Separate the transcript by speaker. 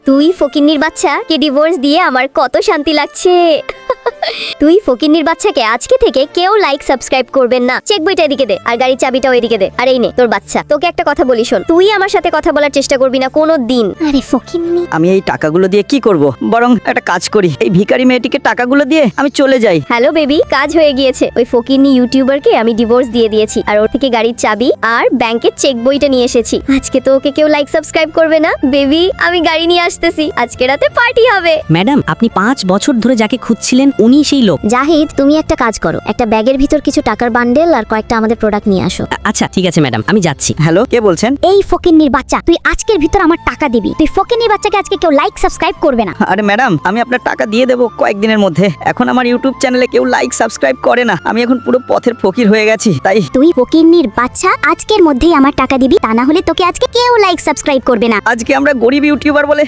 Speaker 1: তুই ফকিন্নির বাচ্চাকে ডিভোর্স দিয়ে আমার কত শান্তি লাগছে। তুই ফকিন্নির বাচ্চাকে আজকে থেকে কেউ লাইক সাবস্ক্রাইব করবেন না। চেক বইটা এদিকে দে, আর গাড়ির চাবিটাও এদিকে দে। আর এই নে তোর বাচ্চা। তোকে একটা কথা বলি শোন, তুই আমার সাথে কথা বলার চেষ্টা করবি না কোনো দিন।
Speaker 2: আরে ফকিন্নি,
Speaker 3: আমি এই টাকাগুলো দিয়ে কি করব? বরং একটা কাজ করি, এই ভিখারি মেয়েটিকে টাকাগুলো দিয়ে আমি চলে যাই।
Speaker 1: হ্যালো বেবি, কাজ হয়ে গিয়েছে। ওই ফকিন্নি ইউটিউবারকে আমি ডিভোর্স দিয়ে দিয়েছি, আর ওর থেকে গাড়ির চাবি আর ব্যাংকের চেক বইটা নিয়ে এসেছি। আজকে তো ওকে কেউ লাইক সাবস্ক্রাইব করবে না। বেবি, আমি গাড়ি নিয়ে আসতেছি, আজকে রাতে পার্টি হবে।
Speaker 4: ম্যাডাম, আপনি 5 বছর ধরে যাকে খুঁজছিলেন উনি সেই লোক।
Speaker 2: জাহিদ তুমি একটা কাজ করো, একটা ব্যাগের ভিতর কিছু টাকার বান্ডেল আর কয়েকটা আমাদের প্রোডাক্ট নিয়ে আসো।
Speaker 4: আচ্ছা ঠিক আছে ম্যাডাম, আমি যাচ্ছি।
Speaker 3: হ্যালো, কে বলছেন?
Speaker 2: এই ফকিন্নির বাচ্চা, তুই আজকের ভিতর আমার টাকা দিবি। তুই ফকিন্নির বাচ্চাকে আজকে কেউ লাইক সাবস্ক্রাইব করবে না।
Speaker 3: আরে ম্যাডাম, আমি আপনার টাকা দিয়ে দেবো কয়েকদিনের মধ্যে। এখন আমার ইউটিউব চ্যানেলে কেউ লাইক সাবস্ক্রাইব করে না। আমি এখন পুরো পথের ফকির হয়ে গেছি। তাই
Speaker 2: তুই ফকিন্নির বাচ্চা আজকের মধ্যেই আমার টাকা দিবি, তা না হলে তোকে আজকে কেউ লাইক সাবস্ক্রাইব করবে না।
Speaker 3: আজকে আমরা গরিব ইউটিউবার বলে